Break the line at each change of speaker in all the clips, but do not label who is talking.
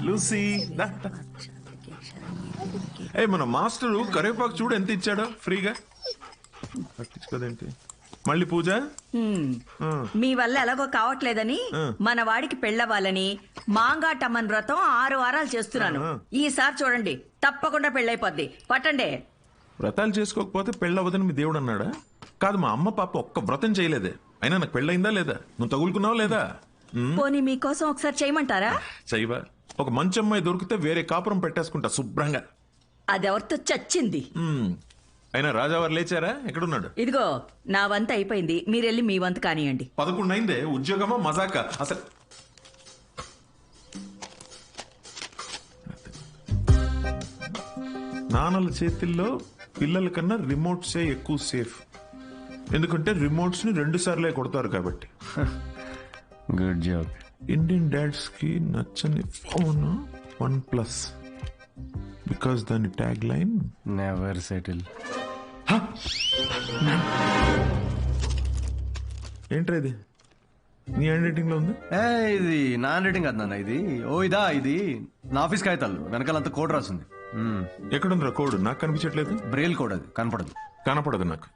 Lucy ఏ మన master కరివేపాకు చూడు ఎంత ఇచ్చాడో ఫ్రీగా. పట్టించుకోదేంటి మళ్ళీ పూజ.
మీ వల్ల ఎలాగో కావట్లేదని మన వాడికి పెళ్ళవ్వాలని మాంగాటమ్మన్ వ్రతం 6 వారాలు చేస్తున్నాను. ఈసారి చూడండి తప్పకుండా పెళ్ళైపోద్ది. పట్టండి.
వ్రతాలు చేసుకోకపోతే పెళ్ళవదని మీ దేవుడు అన్నాడా? కాదు, మా అమ్మ పాప ఒక్క వ్రతం చేయలేదే. అయినా నాకు పెళ్ళయిందా లేదా? నువ్వు తగులుకున్నావా లేదా?
పోనీ మీకోసం ఒకసారి చేయమంటారా?
చెయ్యవా? ఒక మంచి అమ్మాయి దొరికితే వేరే కాపురం పెట్టేసుకుంటా శుభ్రంగా.
అదెవరితో చచ్చింది.
అయినా రాజావారు లేచారా? ఎక్కడున్నాడు?
ఇదిగో నా వంత అయిపోయింది, మీరెళ్ళి మీ వంత కానియండి.
11 అయిందే. ఉద్యోగమా మజాకా అసలు? నాన్నల చేతిల్లో పిల్లల కన్నా రిమోట్సే ఎక్కువ సేఫ్. ఎందుకంటే రిమోట్స్ ని 2 సార్లే కొడతారు కాబట్టి.
Good job.
ఇండియన్ డాడ్స్ కి నచ్చని ఫోన్ OnePlus. బికాస్ దాని ట్యాగ్ లైన్
నెవర్ సెటిల్.
ఏంట్రా ఇది? నీ హ్యాండ్ రైటింగ్ లో ఉంది.
ఇది నా హ్యాండ్ రైటింగ్ కాదు నాన్న, ఇది నా ఆఫీస్ కాగితాలు వెనకాలంతా కోడ్ రాసింది.
ఎక్కడుందిరా కోడ్? నాకు కనిపించట్లేదు.
బ్రెయిల్ కోడ్, అది
కనపడదు నాకు.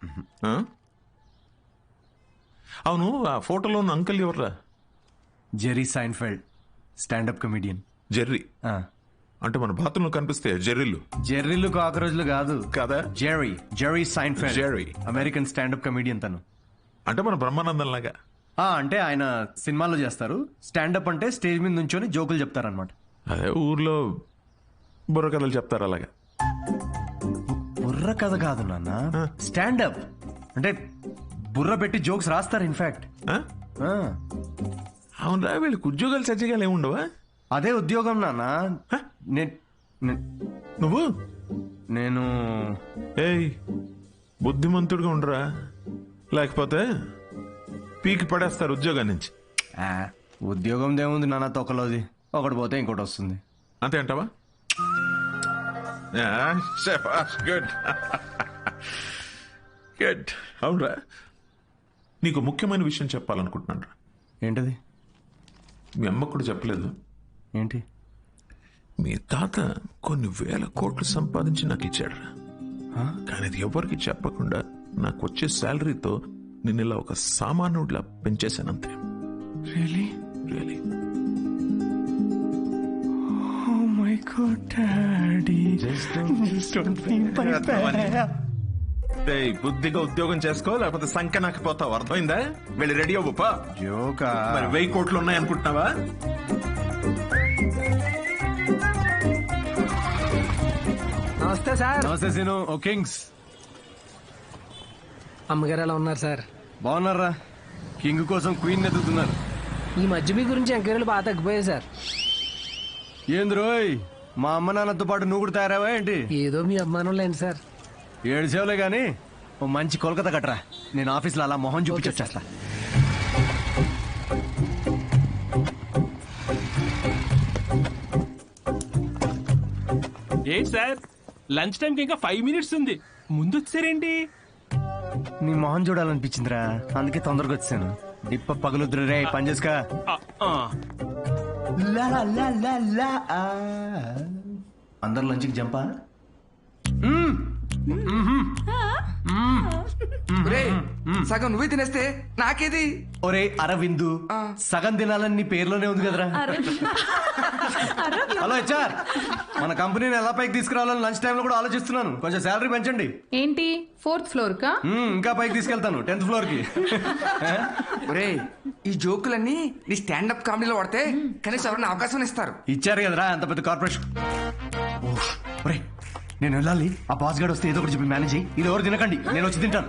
అవును, ఆ ఫోటోలో ఉన్న అంకుల్ ఎవర్రా?
Jerry Seinfeld, standup comedian.
Jerry అంటే మన బాత్రూంలో కనిపిస్తే జెర్రీలు.
జెర్రీలు కాకరోజులు కాదు
కదా.
Jerry Seinfeld,
Jerry
American standup comedian తను.
అంటే మన బ్రహ్మానందం లాగా.
అంటే ఆయన సినిమాల్లో చేస్తారు. స్టాండప్ అంటే స్టేజ్ మీద నుంచొని జోకులు చెప్తారనమాట.
అదే ఊర్లో బుర్ర కథలు చెప్తారు అలాగా.
బుర్ర కథ కాదు నాన్న, స్టాండప్ అంటే బుర్ర పెట్టి జోక్స్ రాస్తారు. ఇన్ఫాక్ట్
అవునరా, వీళ్ళకి ఉద్యోగాలు సజ్జగాలు ఏముండవా?
అదే ఉద్యోగం నాన్న. నేను
ఏయ్ బుద్ధిమంతుడిగా ఉండరా, లేకపోతే పీకి పడేస్తారు ఉద్యోగం నుంచి.
ఉద్యోగం దేముంది నాన్న, తొక్కలోది. ఒకటి పోతే ఇంకోటి వస్తుంది.
అంతే అంటావా? Good good. అవునరా, నీకు ముఖ్యమైన విషయం చెప్పాలనుకుంటున్నాను రా.
ఏంటది?
మీ అమ్మకు కూడా చెప్పలేదు.
ఏంటి?
మీ తాత కొన్ని 1000 కోట్లు సంపాదించి నాకు ఇచ్చాడు రా. కానీ అది ఎవరికి చెప్పకుండా నాకు వచ్చే శాలరీతో నేను ఇలా ఒక సామాన్యుడిలా పెంచేశానంతే.
Really?
Really.
Oh my God, Daddy. Just don't feel my bad.
బుద్ధిగా ఉద్యోగం చేసుకో, లేకపోతే సంఖ్య నాకు పోతావు. అర్థమైందా? వెళ్ళి రెడీ అవ్వపా.
జోకా?
మరి 1000 కోట్లు ఉన్నాయనుకుంటున్నావా?
నమస్తే సార్.
నమస్తే సీను. ఓ కింగ్స్.
అమ్మగారు ఎలా ఉన్నారు సార్?
బాగున్నారా? కింగ్ కోసం క్వీన్ ఎదుగుతున్నారు.
ఈ మధ్య మీ గురించి ఎంక్వైరీలు బాగా తగ్గిపోయాయి సార్.
ఏంది రోయ్, మా అమ్మ నాన్నతో పాటు నువ్వు కూడా తయారావా ఏంటి?
ఏదో మీ అభిమానం లేండి సార్.
7 సేవలే గానీ ఓ మంచి కోల్కతా కట్టరా. నేను ఆఫీస్లో అలా మొహం చూపించొచ్చేస్తా.
ఏంటి సార్, లంచ్ టైంకి ఇంకా 5 మినిట్స్ ఉంది, ముందు వచ్చారేంటి?
నీ మొహం చూడాలనిపించిందిరా, అందుకే తొందరగా వచ్చాను. డిప్ప పగులుద్దురు రే, పని చేసుకా. అందరు లంచ్కి జంపా.
సగం నువ్వే తినేస్తే నాకేది?
ఒరే అరవిందు, సగం తినాలని నీ పేర్లోనే ఉంది కదరా. హలో హెచ్ఆర్, మన కంపెనీని ఎలా పైకి తీసుకురావాలని లంచ్ టైంలో కూడా ఆలోచిస్తున్నాను. కొంచెం శాలరీ పెంచండి.
ఏంటి 4th ఫ్లోర్ కా?
ఇంకా పైకి తీసుకెళ్తాను, 10th ఫ్లోర్ కి.
ఒరే, ఈ జోకులన్నీ నీ స్టాండప్ కామెడీలో వాడితే కనీసం ఎవరైనా అవకాశం ఇస్తారు.
ఇచ్చారు కదరా అంత పెద్ద కార్పొరేషన్. ఒరే నేను వెళ్ళాలి. ఆ బాస్ గార్డ్ వస్తే ఏదో ఒకటి చెప్పి మేనేజ్ అయ్యి. ఇది ఎవరు తినకండి, నేను వచ్చి తింటాను.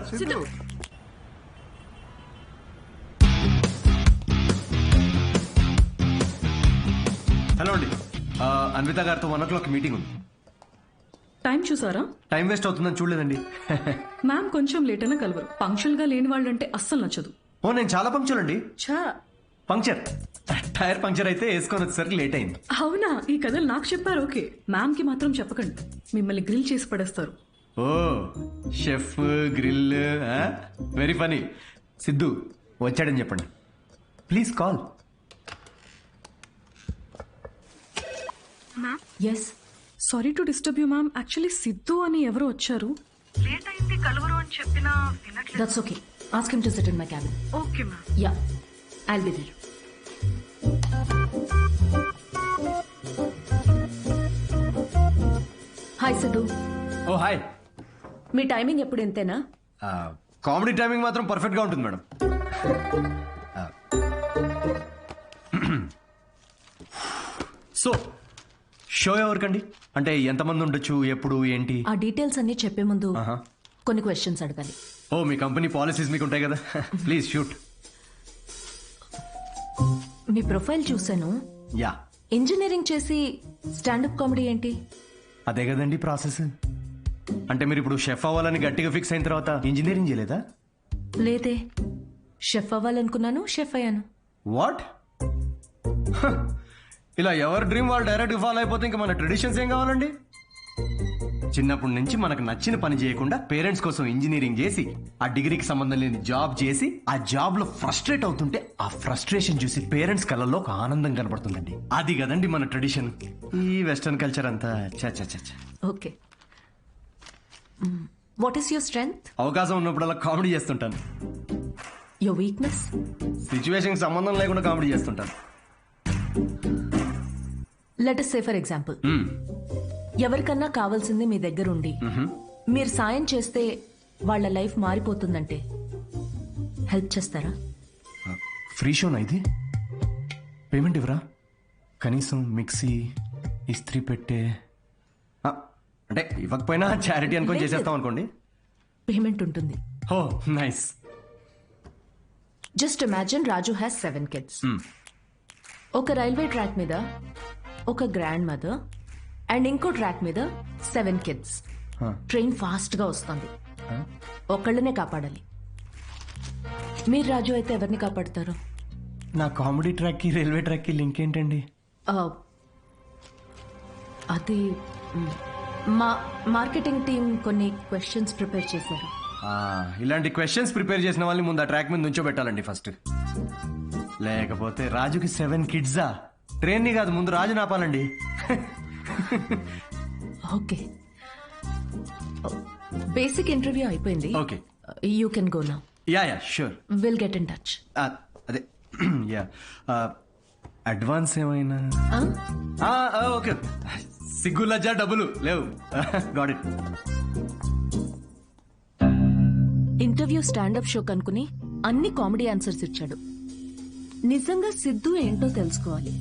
హలో అండి, అన్విత గారితో 1 o'clock మీటింగ్ ఉంది.
టైం చూసారా?
టైం వేస్ట్ అవుతుందని చూడలేదండి.
మ్యామ్ కొంచెం లేట్ అయినా కలవరు. పంక్చువల్ గా లేని వాళ్ళంటే అస్సలు నచ్చదు.
ఓ నేను చాలా పంక్చువల్ అండి.
ఛా,
పంక్చర్ టైర్ పంక్చర్ అయితే వేసుకొని వచ్చేసరికి లేట్ అయింది.
అవునా? ఈ కథలు నాకు చెప్పారు. ఓకే, మ్యామ్ కి మాత్రం చెప్పకండి, మిమ్మల్ని గ్రిల్ చేసి పడేస్తారు.
Oh chef grill, very funny. Siddhu వచ్చాడని చెప్పండి please. Call.
Yes sorry to disturb you ma'am actually Siddhu అని ఎవరు వచ్చారు లేట్ అయింది కలవరు అని చెప్పినా that's okay ask him to sit in my cabin okay ma'am yeah I'll be there hi Siddhu
oh hi.
మీ టైమింగ్ ఎప్పుడు ఇంతేనా
కామెడీ టైమింగ్ మాత్రం పర్ఫెక్ట్ గా ఉంటుంది మేడం. సో షో ఎవరికండి, అంటే ఎంతమంది ఉండొచ్చు, ఎప్పుడు, ఏంటి?
ఆ డీటెయిల్స్ అన్ని చెప్పే ముందు
ఆహా.
కొన్ని క్వశ్చన్స్ అడగాలి.
ఓ మీ కంపెనీ పాలసీస్ మీకు ఉంటాయి కదా, ప్లీజ్ షూట్.
మీ ప్రొఫైల్ చూశాను,
యా
ఇంజనీరింగ్ చేసి స్టాండప్ కామెడీ ఏంటి?
అదే కదండి ప్రాసెస్. అంటే మీరు ఇప్పుడు షెఫ్ అవ్వాలని గట్టిగా ఫిక్స్ అయిన తర్వాత ఇంజనీరింగ్ చేయలేదా?
లేదే, షెఫ్ అవ్వాలనుకున్నాను, షెఫ్ అయ్యాను.
వాట్? ఇలా ఎవరి డ్రీమ్ వాళ్ళు డైరెక్ట్ ఫాలో అయిపోతే ఇంకా మన ట్రెడిషన్స్ ఏం కావాలండి? చిన్నప్పటి నుంచి మనకు నచ్చిన పని చేయకుండా పేరెంట్స్ కోసం ఇంజనీరింగ్ చేసి ఆ డిగ్రీకి సంబంధం లేని జాబ్ చేసి ఆ జాబ్ లో ఫ్రస్ట్రేట్ అవుతుంటే ఆ ఫ్రస్ట్రేషన్ చూసి పేరెంట్స్ కళ్ళల్లో ఒక ఆనందం కనబడుతుందండి. అది కదండి మన ట్రెడిషన్. ఈ వెస్టర్న్ కల్చర్ అంతా చ.
Okay, what is your strength?
అవకాశం ఉన్నప్పుడల్లా కామెడీ చేస్తుంటాను.
Your weakness?
సిచ్యువేషన్ సంబంధం లేకుండా కామెడీ చేస్తుంటాను.
Let us say for example, ఎవరికన్నా కావాల్సింది మీ దగ్గర ఉండి మీరు సాయం చేస్తే వాళ్ళ లైఫ్ మారిపోతుందంటే హెల్ప్ చేస్తారా?
ఫ్రీ షోనా ఇది? పేమెంట్ ఇవ్వరా? కనీసం మిక్సీ, ఇస్త్రీ పెట్టే, అంటే ఇవ్వకపోయినా చారిటీ అనుకొని చేసేస్తాం అనుకోండి.
పేమెంట్ ఉంటుంది.
Oh nice.
Just imagine Raju has 7 kids. ఒక రైల్వే ట్రాక్ మీద ఒక గ్రాండ్ మదర్ అండ్ ఇంకో ట్రాక్ మీద 7 kids. ట్రైన్ ఫాస్ట్ గా వస్తుంది, ఒకళ్ళనే కాపాడాలి. మీరు రాజు అయితే ఎవరిని కాపాడతారు?
నా కామెడీ ట్రాక్ కి రైల్వే ట్రాక్ కి లింక్ ఏంటండి?
అది మా మార్కెటింగ్ టీం కొన్ని క్వశ్చన్స్ ప్రిపేర్ చేశారు.
ఇలాంటి క్వశ్చన్స్ ప్రిపేర్ చేసిన వాళ్ళని ముందు ఆ ట్రాక్ మీద నుంచో పెట్టాలండి ఫస్ట్. లేకపోతే రాజుకి 7 kidsా? ట్రైన్ ని కాదు, ముందు రాజు నాపాలండి.
ఓకే, బేసిక్ ఇంటర్వ్యూ అయిపోయింది.
Okay,
you can go now.
Yeah sure,
will get in touch.
అదే యా. అడ్వాన్స్ ఏమైనా? ఓకే, సిగ్గు లజ్జ డబ్బులు లేవు. Got it.
Interview standup show కనుకుని అన్ని కామెడీ ఆన్సర్స్ ఇచ్చాడు. నిజంగా సిద్ధు ఏంటో తెలుసుకోవాలి.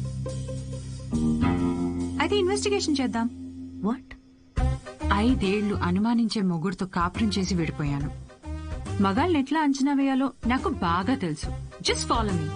అయితే ఇన్వెస్టిగేషన్ చేద్దాం.
వాట్?
5 ఏళ్లు అనుమానించే మొగుడుతో కాపురం చేసి విడిపోయాను. మగాళ్ళని ఎట్లా అంచనా వేయాలో నాకు బాగా తెలుసు. Just follow me.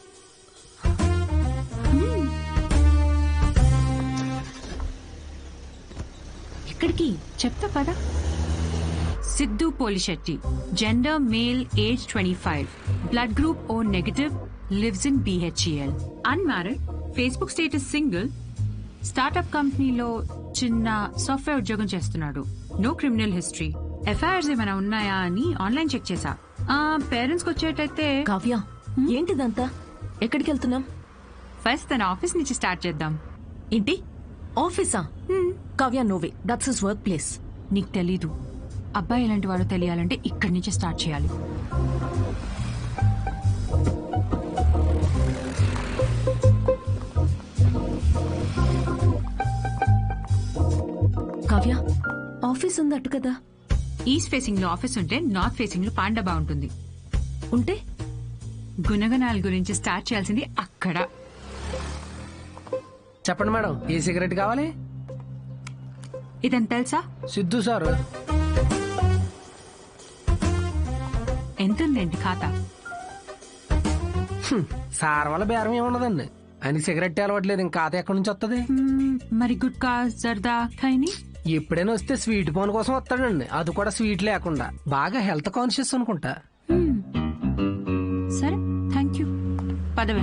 ఎక్కడికి?
చెప్తా పదా. Siddhu Polishetty, gender male, age 25, blood group O negative, lives in BHEL, unmarried, Facebook status single, startup కంపెనీలో చిన్న సాఫ్ట్వేర్ ఉద్యోగం చేస్తున్నాడు. No criminal history. ఎఫ్ఐఆర్స్ ఏమైనా ఉన్నాయా అని ఆన్లైన్ చెక్ చేశా. పేరెంట్స్ కి వచ్చేటైతే.
కావ్య, ఏంటిదంతా? ఎక్కడికి వెళ్తున్నాం?
ఫస్ట్ తన ఆఫీస్ నుంచి స్టార్ట్ చేద్దాం.
ఏంటి ఆఫీసా? Kavya, no way, that's his work place.
నీకు తెలీదు, అబ్బాయి ఎలాంటి వాడో తెలియాలంటే ఇక్కడి నుంచి స్టార్ట్ చేయాలి.
కావ్య, ఆఫీస్ ఉంది అటు కదా.
ఈస్ట్ ఫేసింగ్ లో ఆఫీస్ ఉంటే నార్త్ ఫేసింగ్ లో పాండబా ఉంటుంది.
ఉంటే
గుణగణాల గురించి స్టార్ట్ చేయాల్సింది అక్కడ.
చెప్పండి మేడం, ఏ సిగరెట్ కావాలి?
ఇదని తెలుసా?
సిద్ధు సార్.
ఎంతుందండి ఖాతా?
సార్ వల్ల బేరం ఏమున్నదండి, ఆయనకి సిగరెట్ అలవట్లేదు, ఇంకా ఖాతా ఎక్కడి నుంచి వస్తుంది?
మరి గుట్కా, జర్దా, ఖైని?
ఎప్పుడైనా వస్తే స్వీట్ పోన్ కోసం వస్తాడండి, అది కూడా స్వీట్ లేకుండా. బాగా హెల్త్ కాన్షియస్ అనుకుంటా.
సరే, థ్యాంక్ యూ. పదవే.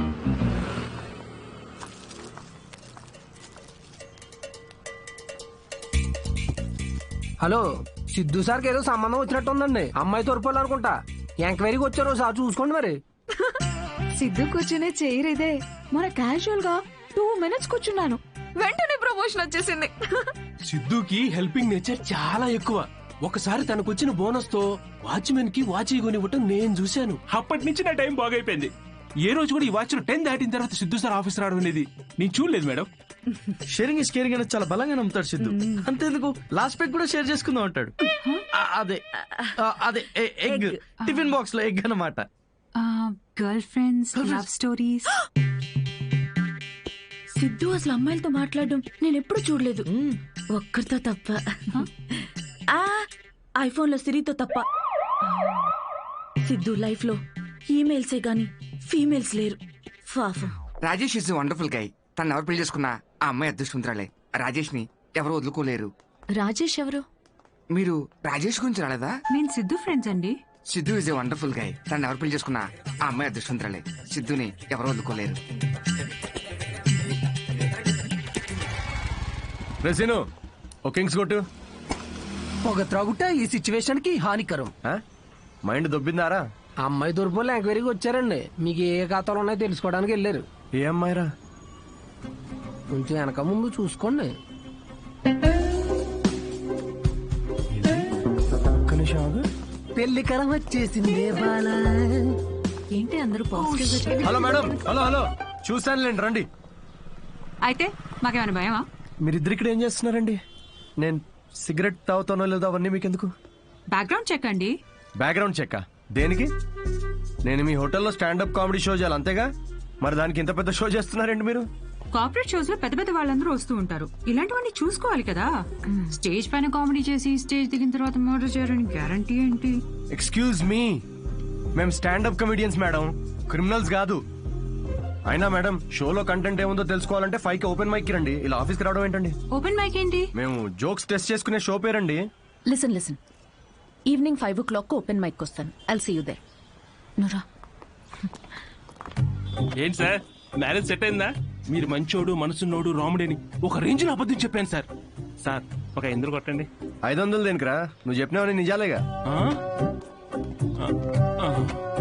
హలో, సిద్ధు సార్కి ఏదో సంబంధం వచ్చినట్టు ఉందండి. అమ్మాయి తోరుపోలు అనుకుంటా. ఎంక్వైరీకి వచ్చారు, సార్ చూసుకోండి మరి.
సిద్ధు కూర్చునే చైర్ ఇదే. మన క్యాజువల్ గా 2 minutes కూర్చున్నాను.
వెంటనే ప్రమోషన్ వచ్చేసింది.
సిద్ధుకి హెల్పింగ్ నేచర్ చాలా ఎక్కువ. ఒకసారి తనకు వచ్చిన బోనస్ తో వాచ్మెన్ కి వాచ్ కొనివ్వటం నేను చూశాను. అప్పటి నుంచి నా టైం బాగైపోయింది. ఏ రోజు కూడా ఈ వాచ్ 10 దాటిన తర్వాత సిద్ధు సార్ ఆఫీస్ రావడం అనేది నేను చూడలేదు మేడం.
షేరింగ్ ఇస్ కేరింగ్ అనేది చాలా బలంగా నమ్ముతాడు సిద్ధు. అంతేందుకు లాస్ట్ పెగ్ కూడా షేర్ చేసుకుందాం అంటాడు. అదే అదే ఎగ్ టిఫిన్ బాక్స్ లో ఎగ్ అన్నమాట.
Girl friends, love stories.
Siddhu అసలు అమ్మాయిలతో మాట్లాడడం నేను ఎప్పుడు చూడలేదు, ఒక్కరితో తప్ప. ఐఫోన్ లో సిరితో తప్ప. సిద్ధు లైఫ్ లో ఈమెయిల్సే గాని ఫీమేల్స్ లేరు. పాపం.
Rajesh is wonderful guy. తను ఎవరు పెళ్లి చేసుకున్నా ఆ అమ్మాయి అదృష్టవంతురాలే. రాజేష్ ని ఎవరు వదులుకోలేరు.
రాజేష్ ఎవరు?
మీరు రాజేష్ గురించి రాలేదా?
నేను సిద్ధు ఫ్రెండ్స్ అండి.
Siddhu is a wonderful guy. తను ఎవరు పెళ్లి చేసుకున్నా ఆ అమ్మాయి అదృష్టవంతురాలే. సిద్ధుని ఎవరు వదులుకోలేరు.
రెసిను ఓ కింగ్స్ కొట్టు.
పొగ త్రాగుట ఈ సిచ్యువేషన్ కి హానికరం.
మైండ్ దొబ్బిందారా?
అమ్మాయి తూర్పులో ఎంక్వైరీకి వచ్చారండి. మీకు ఏ ఖాతాలు ఉన్నాయో తెలుసుకోవడానికి వెళ్ళారు.
ఏ అమ్మాయిరా?
కొంచెం వెనక ముందు చూసుకోండి. పెళ్లి కరం వచ్చేసింది.
ఏంటి అందరూ పాజిటివ్?
Hello madam. హలో చూసానులేండి, రండి.
అయితే మాకేమైనా భయమా?
మీరిద్దరు ఇక్కడ ఏం చేస్తున్నారండి? నేను సిగరెట్ తాగుతానో లేదో అవన్నీ మీకెందుకు?
బ్యాక్గ్రౌండ్ చెక్ అండి.
బ్యాక్గ్రౌండ్ చెక్ దేనికి? నేను మీ హోటల్లో స్టాండప్ కామెడీ షో చేయాలి అంతేగా, మరి దానికి ఇంత పెద్ద షో చేస్తున్నారండి మీరు?
కార్పొరేట్ షోస్ లో పెద్ద పెద్ద వాళ్ళందరూ వస్తూ ఉంటారు. ఇలాంటివన్నీ చూసుకోవాలి కదా. స్టేజ్ పైన కామెడీ చేసి స్టేజ్ దిగిన తర్వాత మర్డర్ చేయాలని గ్యారంటీ ఏంటి?
ఎక్స్క్యూజ్ మీ, మేము స్టాండప్ కమెడియన్స్ మేడం, క్రిమినల్స్ కాదు. అయినా మేడం, షోలో కంటెంట్ ఏముందో తెలుసుకోవాలంటే 5 కి ఓపెన్ మైక్ రండి. ఇలా ఆఫీస్కి రావడం ఏంటండి?
ఓపెన్ మైక్ ఏంటి?
మేము జోక్స్ టెస్ట్ చేసుకునే షో పేరండి.
Listen evening 5 o'clock open mic వస్తాను. I'll see you there. నురా
ఏంటి సార్, మ్యారేజ్ సెట్ అయిందా? మీరు మంచోడు, మనసున్నోడు, రాముడేని ఒక రేంజ్ లో అబద్ధం చెప్పాను సార్. సార్ ఒక 500 కొట్టండి.
500 దేనికిరా? నువ్వు చెప్పినావని నిజాలేగా.